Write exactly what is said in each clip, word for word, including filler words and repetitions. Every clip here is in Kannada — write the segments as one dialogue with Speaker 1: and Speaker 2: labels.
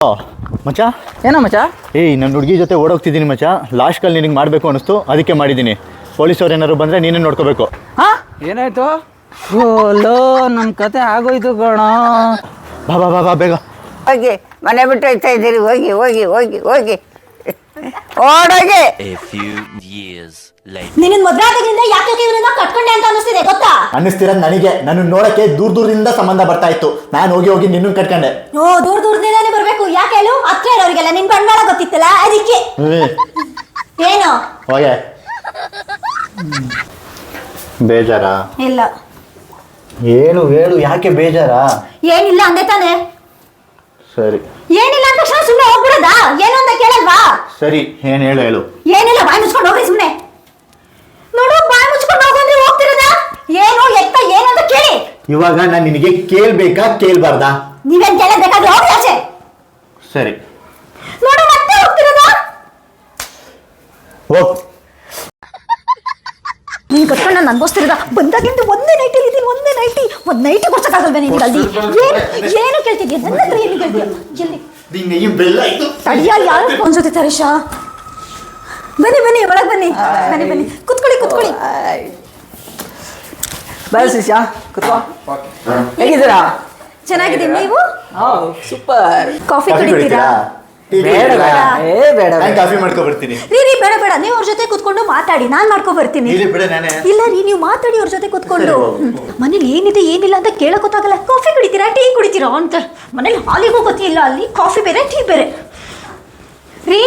Speaker 1: ಮಚ್ಚ
Speaker 2: ಏನೋ ಮಚ್ಚ
Speaker 1: ಏಯ್ ನನ್ನ ಹುಡುಗಿ ಜೊತೆ ಓಡೋಗ್ತಿದ್ದೀನಿ ಮಚ್ಚ ಲಾಸ್ಟ್ ಕಾಲ್ ನಿನಗೆ ಮಾಡಬೇಕು ಅನಿಸ್ತು ಅದಕ್ಕೆ ಮಾಡಿದ್ದೀನಿ ಪೊಲೀಸವ್ರು ಏನಾದ್ರು ಬಂದರೆ ನೀನೇ ನೋಡ್ಕೋಬೇಕು.
Speaker 2: ಹಾಂ ಏನಾಯ್ತು? ಓಲೋ ನಮ್ಮ ಕತೆ ಆಗೋಯ್ತು ಕಣ.
Speaker 1: ಬಾ ಬಾ ಬಾ ಬಾ ಬೇಗ
Speaker 3: ಹೋಗಿ ಮನೆ ಬಿಟ್ಟು ಹೋಗ್ತಾ ಇದ್ದೀರಿ. ಹೋಗಿ ಹೋಗಿ ಹೋಗಿ ಹೋಗಿ ಓಡೋಗಿ.
Speaker 4: ನಿನ್ನ ಮದ್ವೆ ಆದಾಗಿಂದ ಯಾಕೆ ಇವರನ್ನ ಕಟ್ಕೊಂಡೆ ಅಂತ ಅನಿಸ್ತಿದೆ ಗೊತ್ತಾ?
Speaker 1: ಅನ್ನಿಸ್ತಿರೋದು ನನಗೆ. ನನ್ನ ನೋಡಕ್ಕೆ ದೂರ ದೂರದಿಂದ ಸಂಬಂಧ ಬರ್ತಾ ಇತ್ತು. ನಾನು ಹೋಗಿ ಹೋಗಿ ನಿನ್ನನ್ನು ಕಟ್ಕೊಂಡೆ.
Speaker 4: ಓ ದೂರ ದೂರದಿಂದಾನೇ ಬರ್ಬೇಕು. ಯಾಕೆ ಹೇಳು? ಹತ್ರ ಇರೋರಿಗೆಲ್ಲ ನಿನ್ ಬಂಡವಾಳ ಗೊತ್ತಿತ್ತಲ್ಲ ಅದಕ್ಕೆ. ಏನು
Speaker 1: ಹೋಗೆ ಬೇಜಾರಾ?
Speaker 4: ಇಲ್ಲ.
Speaker 1: ಹೇಳು ಹೇಳು, ಯಾಕೆ ಬೇಜಾರಾ?
Speaker 4: ಏನಿಲ್ಲ ಅಂದೆ ತಾನೆ.
Speaker 1: ಸರಿ.
Speaker 4: ಏನಿಲ್ಲ ಅಂತ ತಕ್ಷಣ ಸುಮ್ಮನೆ ಹೋಗ್ಬಿಡದಾ? ಏನು ಅಂತ ಕೇಳಲ್ವಾ?
Speaker 1: ಸರಿ, ಏನ್ ಹೇಳು ಹೇಳು.
Speaker 4: ಏನಿಲ್ಲ, ಬಾಯಿ ಮುಚ್ಕೊಂಡು ಹೋಗ್ರಿ ಸುಮ್ಮನೆ. ನೋಡು, ಬಾಯಿ ಮುಚ್ಕೊಂಡು ಹೋಗಂದ್ರೆ ಹೋಗ್ತಿರೋದಾ? ಏನು ಎತ್ತ ಏನು ಅಂತ ಕೇಳಿ.
Speaker 1: ಇವಾಗ ನಾನು ನಿನಗೆ ಕೇಳ್ಬೇಕಾ ಕೇಳ್ಬಾರ್ದಾ?
Speaker 4: ನೀವೇನ್ ಕೇಳಬೇಕಾದ್ರೆ ಹೋಗಿ ಆಚೆ.
Speaker 1: ಸರಿ.
Speaker 4: ನೋಡು, ಮತ್ತೆ ಹೋಗ್ತಿರೋದಾ?
Speaker 1: ಹೋಗ್.
Speaker 4: ನೀನ್ ಕಟ್ಕೊಂಡು ನಾನು ಅನ್ಭವಿಸ್ತಿರೋದ ಬಂದಾಗಿಂದ ಒಂದೇ ನೈಟ್ ಇದ್ದೀನಿ. ಒಂದೇ ನೈಟಿ ಒಂದ್ ನೈಟ್ ಕೊಡ್ಸಕ್ಕಾಗಲ್ವ ನಿನ್ಗೆ? ಅಲ್ಲಿ ಏನು ಏನು ಕೇಳ್ತಿದ್ಯಾ? ನನ್ನ ಹತ್ರ ಏನು ಕೇಳ್ತೀಯ? ಎಲ್ಲಿ ತಡಿಯ? ಯಾರು ಫೋನ್ ಜೊತೆ ತರೀಶಾ? ಬನ್ನಿ ಬನ್ನಿ, ಒಳಗೆ ಬನ್ನಿ. ಬನ್ನಿ ಬನ್ನಿ, ಕುತ್ಕೊಳ್ಳಿ ಕುತ್ಕೊಳ್ಳಿ.
Speaker 2: ಬಾಯ್ ಶಿಷ್ಯ, ಕುತ್ಕೋ. ಹೇಗಿದ್ದೀರಾ?
Speaker 4: ಚೆನ್ನಾಗಿದ್ದೀನಿ. ನೀವು?
Speaker 2: ಸೂಪರ್.
Speaker 4: ಕಾಫಿ ಕುಡಿತೀರಾ?
Speaker 2: ಬೇಡ ಬೇಡ, ಏ ಬೇಡ.
Speaker 1: ನಾನು ಕಾಫಿ ಮಾಡ್ಕೊ ಬರ್ತೀನಿ.
Speaker 4: ರೀ ರೀ ಬೇಡ ಬೇಡ, ನೀವು ಅವ್ರ ಜೊತೆ ಕುತ್ಕೊಂಡು ಮಾತಾಡಿ, ನಾನ್ ಮಾಡ್ಕೊ ಬರ್ತೀನಿ. ಇಲ್ಲ ರೀ, ನೀವು ಮಾತಾಡಿ ಅವ್ರ ಜೊತೆ ಕುತ್ಕೊಂಡು. ಮನೇಲಿ ಏನಿದೆ ಏನಿಲ್ಲ ಅಂತ ಕೇಳಕ್ ಗೊತ್ತಾಗಲ್ಲ. ಕಾಫಿ ಕುಡಿತೀರಾ ಟೀ ಕುಡಿತೀರಾ ಅಂತ. ಮನೇಲಿ ಹಾಲಿಗೂ ಗೊತ್ತಿಲ್ಲ, ಅಲ್ಲಿ ಕಾಫಿ ಬೇರೆ ಟೀ ಬೇರೆ. ರೀ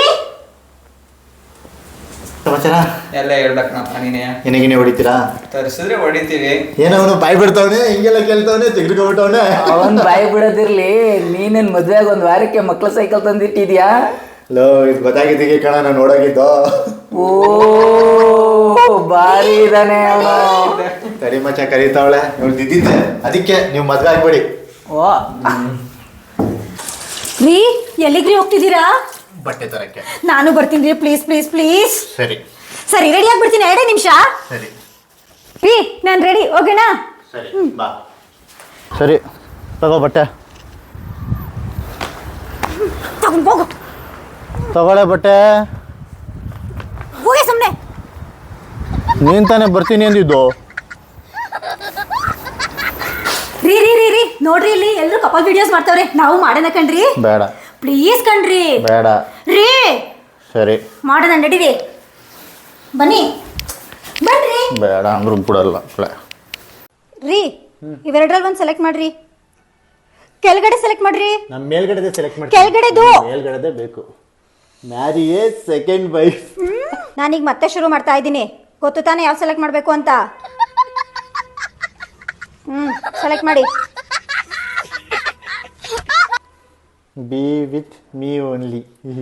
Speaker 1: ಸಮಾಚಾರ
Speaker 5: ಎಲ್ಲ ಹೇಳ್ಬೇಕಪ್ಪ ನೀನೇ.
Speaker 1: ಏನಾಗಿನೇ ಹೊಡಿತೀರಾ?
Speaker 5: ತರಿಸಿದ್ರೆ ಹೊಡಿತೀವಿ.
Speaker 1: ಏನೋ ಅವನು ಬಾಯಿ ಬಿಡ್ತಾವನೆ, ಹಿಂಗೆಲ್ಲ ಕೇಳ್ತಾವನೆ, ತೆಗೆದುಕೊಂಡ್ಬಿಟ್ಟವನೆ.
Speaker 2: ಅವನ್ ಬಾಯಿ ಬಿಡೋದಿರ್ಲಿ, ನೀನೇನ್ ಮದ್ವೆ ಆಗ ಒಂದ್ ವಾರಕ್ಕೆ ಮಕ್ಳ ಸೈಕಲ್ ತಂದಿಟ್ಟಿದ್ಯಾ?
Speaker 1: ಲೋ, ಇದು ಗೊತ್ತಾಗಿದ್ದೀಗೆ ಕಣ, ನಾನು ನೋಡೋಗಿದ್ದು.
Speaker 2: ಓ ಬಾರಿ ಇದಾನೆ ಅವನು.
Speaker 1: ಕರಿ ಮಚ್ಚ ಕರೀತಾವಳೆ, ಇವ್ಳು ಇದ್ದಿದ್ದೆ, ಅದಕ್ಕೆ ನೀವು ಮದ್ವೆ ಆಗ್ಬೇಡಿ.
Speaker 2: ಓ
Speaker 4: ರೀ, ಎಲ್ಲಿಗ್ರಿ ಹೋಗ್ತಿದ್ದೀರಾ?
Speaker 1: ಬಟ್ಟೆ ತರಕ್ಕೆ.
Speaker 4: ನಾನು ಬರ್ತೀನಿ ರೀ, ಪ್ಲೀಸ್ ಪ್ಲೀಸ್ ಪ್ಲೀಸ್.
Speaker 1: ಸರಿ
Speaker 4: ಸರಿ, ರೆಡಿ ಆಗ್ಬಿಡ್ತೀನಿ, ಎರಡೇ ನಿಮಿಷ.
Speaker 1: ಸರಿ
Speaker 4: ರೀ, ನಾನು ರೆಡಿ, ಓಕೆನಾ?
Speaker 1: ಸರಿ ಬಾ. ಸರಿ ತಗೋ ಬಟ್ಟೆ.
Speaker 4: ತಗೊಂಡು ಹೋಗು.
Speaker 1: ತಗೊಳ್ಳೆ ಬಟ್ಟೆ.
Speaker 4: ಹೋಗಿ ಸುಮ್ಮನೆ.
Speaker 1: ನೀನ್ ತಾನೇ ಬರ್ತೀನಿ ಅಂದಿದ್ದು.
Speaker 4: ರೀ ರೀ ರೀ ರೀ ನೋಡ್ರಿ, ಇಲ್ಲಿ ಎಲ್ಲರೂ ಕಪಲ್ ವಿಡಿಯೋಸ್ ಮಾಡ್ತಾವ್ರೆ, ನಾವು ಮಾಡೋಣ ಕಣ್ರಿ.
Speaker 1: ಬೇಡ
Speaker 4: ಪ್ಲೀಸ್ ಕಣ್ರಿ.
Speaker 1: ಬೇಡ
Speaker 4: ರೀ
Speaker 1: ಸರಿ
Speaker 4: ಮಾಡೋಣ, ನಡೀರಿ. ಬನ್ನಿ ಬನ್ರಿ.
Speaker 1: ಬೇಡ ಅಂದ್ರೂ ಬಿಡಲ್ಲ.
Speaker 4: ರೀ, ಇವೆರಡರಲ್ಲಿ ಒಂದು ಸೆಲೆಕ್ಟ್ ಮಾಡ್ರಿ. ಕೆಳಗಡೆ ಸೆಲೆಕ್ಟ್ ಮಾಡ್ರಿ.
Speaker 1: ನಮ್ಮ ಮೇಲ್ಗಡೆ ಸೆಲೆಕ್ಟ್ ಮಾಡಿ.
Speaker 4: ಕೆಳಗಡೆದು.
Speaker 1: ಮೇಲ್ಗಡೆದೇ ಬೇಕು. ಮ್ಯಾರಿಯೇ ಸೆಕೆಂಡ್ ವೈಫ್.
Speaker 4: ನಾನೀಗ ಮತ್ತೆ ಶುರು ಮಾಡ್ತಾ ಇದ್ದೀನಿ. ಗೊತ್ತು ತಾನೇ ಯಾವ ಸೆಲೆಕ್ಟ್ ಮಾಡಬೇಕು ಅಂತ? ಹ್ಮ್ ಸೆಲೆಕ್ಟ್ ಮಾಡಿ.
Speaker 1: Be with me only.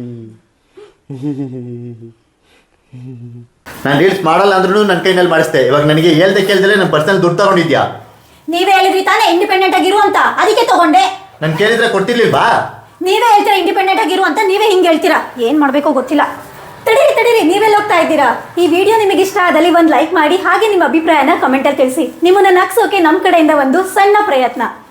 Speaker 1: ನಾನು ರೀಲ್ಸ್ ಮಾಡಲ್ಲ ಅಂದ್ರೂ ನನ್ನ ಕೈನಲ್ಲಿ ಮಾಡಿಸ್ದೆ. ಇವಾಗ ನನಗೆ ಹೇಳ್ದೆ ಕೇಳ್ದಲೆ ನನ್ನ ಪರ್ಸನಲ್ ದುಡ್ಡು ತಗೊಂಡಿದ್ಯಾ?
Speaker 4: ನೀವೇ ಹೇಳಿದ್ರಿ ತಾನೇ ಇಂಡಿಪೆಂಡೆಂಟ್ ಆಗಿರು ಅಂತ, ಅದಕ್ಕೆ ತಗೊಂಡೆ.
Speaker 1: ನಾನು ಕೇಳಿದ್ರೆ ಕೊಡ್ತಿರ್ಲಿಲ್ವಾ?
Speaker 4: ನೀವೇ ಹೇಳ್ತೀರಾ ಇಂಡಿಪೆಂಡೆಂಟ್ ಆಗಿರು ಅಂತ, ನೀವೇ ಹಿಂಗೆ ಹೇಳ್ತೀರಾ. ಏನು ಮಾಡಬೇಕೋ ಗೊತ್ತಿಲ್ಲ. ತಡೀರಿ ತಡೀರಿ, ನೀವೆಲ್ಲ ಹೋಗ್ತಾ ಇದ್ದೀರಾ? ಈ ವಿಡಿಯೋ ನಿಮಗೆ ಇಷ್ಟ ಆದಲ್ಲಿ ಒಂದು ಲೈಕ್ ಮಾಡಿ, ಹಾಗೆ ನಿಮ್ಮ ಅಭಿಪ್ರಾಯನ ಕಮೆಂಟಲ್ಲಿ ತಿಳಿಸಿ. ನಿಮ್ಮನ್ನ ನಗ್ಸೋಕೆ ನಮ್ಮ ಕಡೆಯಿಂದ ಒಂದು ಸಣ್ಣ ಪ್ರಯತ್ನ.